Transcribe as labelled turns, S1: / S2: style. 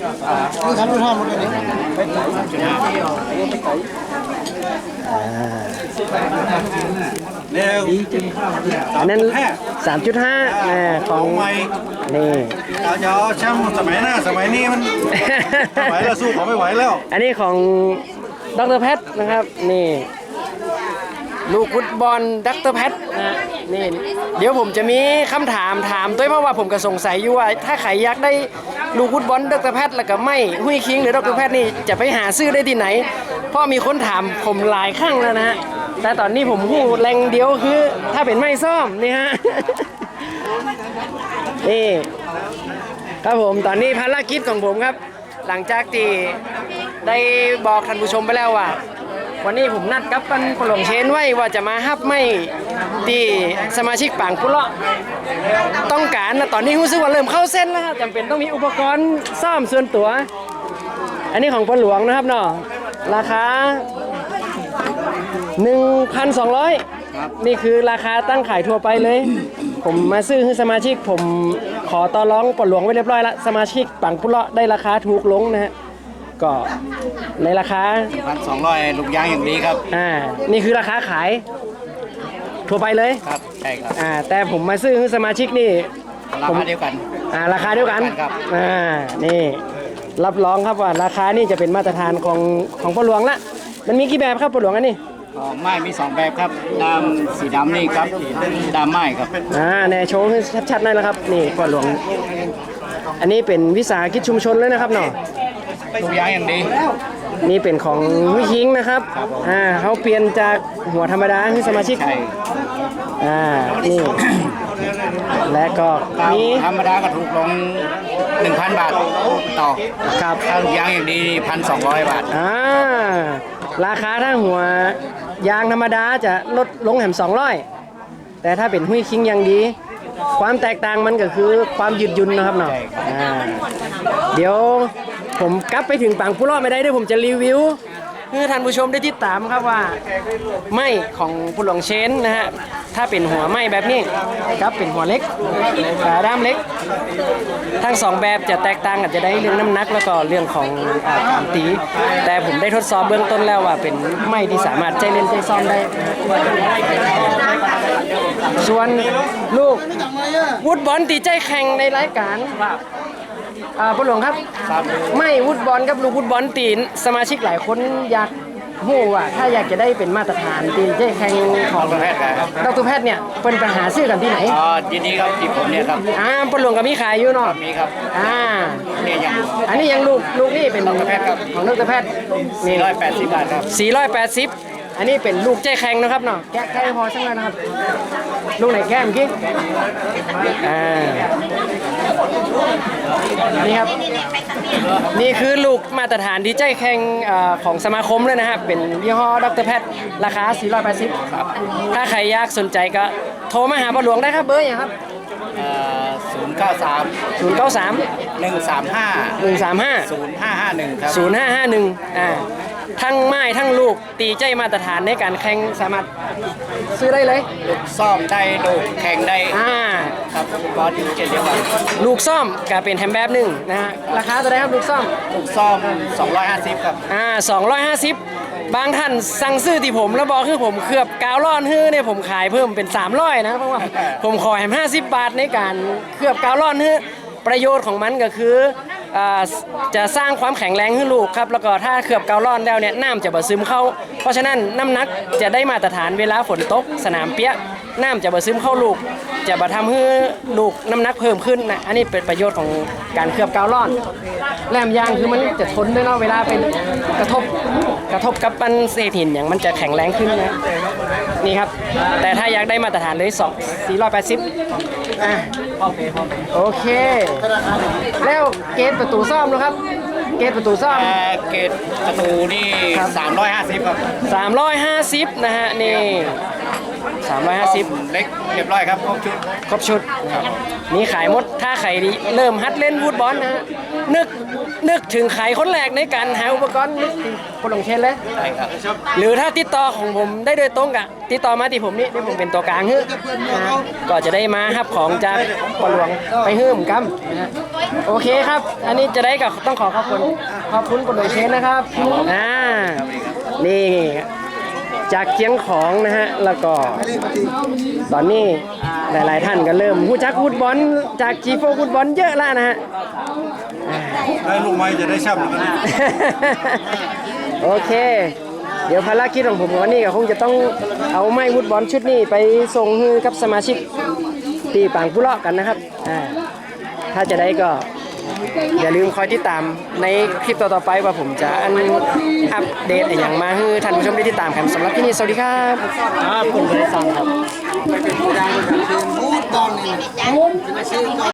S1: ทำดูท่าหมดเลยนี่
S2: อันนั้น 3.5ของนี่
S1: เราจะเอาแชมป์สมัยหน้าสมัยนี้มันไหวแล้วสู้เขาไม่ไหวแล้ว
S2: อันนี้ของดร.แพทนะครับนี่ลูกฟุตบอลดร.แพทนะนี่เดี๋ยวผมจะมีคำถามด้วยเพราะว่าผมก็สงสัยอยู่ว่าถ้าใครอยากได้ลูกฟุตบอลดร.แพทแล้วก็ไม่หุ้ยคิงหรือดร.แพทนี่จะไปหาซื้อได้ที่ไหนเพราะมีคนถามผมหลายครั้งแล้วนะฮะแต่ตอนนี้ผมหูแรงเดียวคือถ้าเป็นไม่ซ่อมนี่ฮะนี่ครับผมตอนนี้ภารกิจของผมครับหลังจากที่ได้บอกท่านผู้ชมไปแล้วว่าวันนี้ผมนัดกับปันปลงเชนไว้ว่าจะมาฮับไม่ที่สมาชิกปางกุเลาะต้องการนะตอนนี้รู้สึกว่าเริ่มเข้าเส้นแล้วครับจำเป็นต้องมีอุปกรณ์ซ่อมส่วนตัวอันนี้ของปนหลวงนะครับเนาะราคา 1,200 นี่คือราคาตั้งขายทั่วไปเลยผมมาซื้อให้สมาชิกผมขอต่อรองปนหลวงไว้เรียบร้อยแล้วสมาชิกปางกุเลาะได้ราคาถูกลงนะฮะก็ในราคา
S1: 1,200 ลูกยางอย่างดีครับ
S2: นี่คือราคาขายทั่วไปเลย
S1: ครับใช่ครับ
S2: แต่ผมมาซื้อสมาชิกนี่
S1: ราคาเดียวกัน
S2: ราคาเดียวกัน
S1: ครับ
S2: นี่รับรองครับว่าราคานี่จะเป็นมาตรฐานของปลวงละมันมีกี่แบบครับปลวงอันนี้
S1: ไม้มี2แบบครับดำสีดำนี่ครับดำไม้ครับ
S2: แน่โชว์ให้ชัดๆหน่อยแล้วครับนี่ปลวงอันนี้เป็นวิสาหกิจชุมชนเลยนะครับเนาะ
S1: ลูกยางอย่างดี
S2: นี่เป็นของวิคิงนะครับเขาเปลี่ยนจากหัวธรรมดาให้สมาชิกนี่ และก็มี
S1: ธรรมดาก็ถูกลง 1,000 บาทต่อ
S2: ครับ
S1: ถ้าลูกยางอย่างดี 1,200 บาท
S2: ราคาถ้าหัวยางธรรมดาจะลดลงแหม200แต่ถ้าเป็นหุ้ยคิงอย่างดีความแตกต่างมันก็คือความยืดหยุ่นนะครับเนาะเดี๋ยวผมกลับไปถึงปางกุเลาะไม่ได้ด้วยผมจะรีวิวให้ท่านผู้ชมได้ติดตามครับว่าไม้ของปุหลงเชนนะฮะถ้าเป็นหัวไม้แบบนี้ครับเป็นหัวเล็กด้ามเล็กทั้ง2แบบจะแตกต่างกันจะได้เรื่องน้ำหนักแล้วก็เรื่องของการตีแต่ผมได้ทดสอบเบื้องต้นแล้วว่าเป็นไม้ที่สามารถใจเล่นใจซ่อมได้ส่วนลูกวุดบอลตีใจแข่งในรายการปหลวงครับไม่วุดบอลกับลูกวุดบอลตีนสมาชิกหลายคนอยากหู้ว่าถ้าอยากจะได้เป็นมาตรฐานตีนใจแข่งของดร.แพทย์เนี่ยเป็นปัญหาซื้อกันที่ไหน
S1: ยินดีครับที่ผมเนี่ยครับ
S2: ปหลวงก็มีขายอยู่เนาะ
S1: มีครับ
S2: นี่ยังอันนี้ยังลูกนี่เป็นดร.แพทย์ครับของดร.แพทย์
S1: 480 บาทครับ
S2: 480อันนี้เป็นลูกใจแข็งนะครับเนาะแกะไก่พอสักหน่อยนะครับลูกไหนแก้มกี้นี่ครับนี่คือลูกมาตรฐานที่ใจแข็งของสมาคมเลยนะครับเป็นยี่ห้อดร.แพทย์ราคา480ครับถ้าใครอยากสนใจก็โทรมาหาปหลวงได้ครับเบอร์อย่างครับ
S1: 093 135 0551ครับ
S2: 0551ทั้งไม้ทั้งลูกตีใจมาตรฐานในการแข่งสามารถซื้อได้เลย
S1: ลูกซ่อมได้ลูกแข่งได้ครับก็ดีเดียวกัน
S2: ลูกซ่อมก็เป็นแฮมแบบหนึ่งนะฮะราคาเท่าไหร่ครับลูกซ่อม
S1: 250ครับ
S2: 250บางท่านสั่งซื้อที่ผมแล้วบอกคือผมเคลือบกาวร้อนฮื้อเนี่ยผมขายเพิ่มเป็น300นะเพราะว่าผมขอแฮม50 บาทในการเคลือบกาวร้อนฮื้อประโยชน์ของมันก็คือจะสร้างความแข็งแรงให้ลูกครับแล้วก็ถ้าเคลือบกาวร้อนแล้วเนี่ยน้ำจะบ่ซึมเข้าเพราะฉะนั้นน้ำหนักจะได้มาตรฐานเวลาฝนตกสนามเปียกน้ำจะบ่ซึมเข้าลูกจะบ่ทำให้ลูกน้ำหนักเพิ่มขึ้นนะอันนี้เป็นประโยชน์ของการเคลือบกาวร้อนแหลมยางคือมันจะทนด้วยเนาะเวลาเป็นกระทบกับปันเศษหินอย่างมันจะแข็งแรงขึ้นนะนี่ครับแต่ถ้าอยากได้มาตรฐานเลย480โอเคแล้วเกตประตูซ่อมนะครับเกตประตูซ่อม
S1: เกตประตูนี่350ครับ
S2: 350นะฮะนี่ 350
S1: เล็กเรียบร้อยครับครบชุด
S2: ครบชุดนี่ขายหมดถ้าใครเริ่มหัดเล่นฟุตบอลนะฮะนึกถึงขายคนแรกในการหาอุปกรณ์นึกถึงคนลงเชนเลย
S1: ใช่ครับ
S2: หรือถ้าติดต่อของผมได้โดยตรงกะติดต่อมาที่ผมนี่ที่ผมเป็นตัวกลางนะก็จะได้มารับของจากปหลวงไปฮื้มกัมนะฮะโอเคครับ อันนี้จะได้กับต้องขอขอบคุณคนลงเชนนะครับนี่จากเชียงของนะฮะแล้วก็ตอนนี้หลายๆท่านก็เริ่มรู้จักฟุตบอลจากจีโฟฟุตบอลเยอะแล้วนะฮะ
S1: ได้ลูกไม้จะได้ช่ำกัน
S2: โอเค เดี๋ยวภารกิจของผมวันนี้ก็คงจะต้องเอาไม้ฟุตบอลชุดนี้ไปส่งให้กับสมาชิกที่ปางผู้เลาะกันนะครับถ้าจะได้ก็อย่าลืมคอยติดตามในคลิปต่อๆไปว่าผมจะอัปเดตอย่างมาให้ท่านผู้ชมได้ติดตามกันสำหรับที่นี่สวัสดีครับผมบริษัทครับ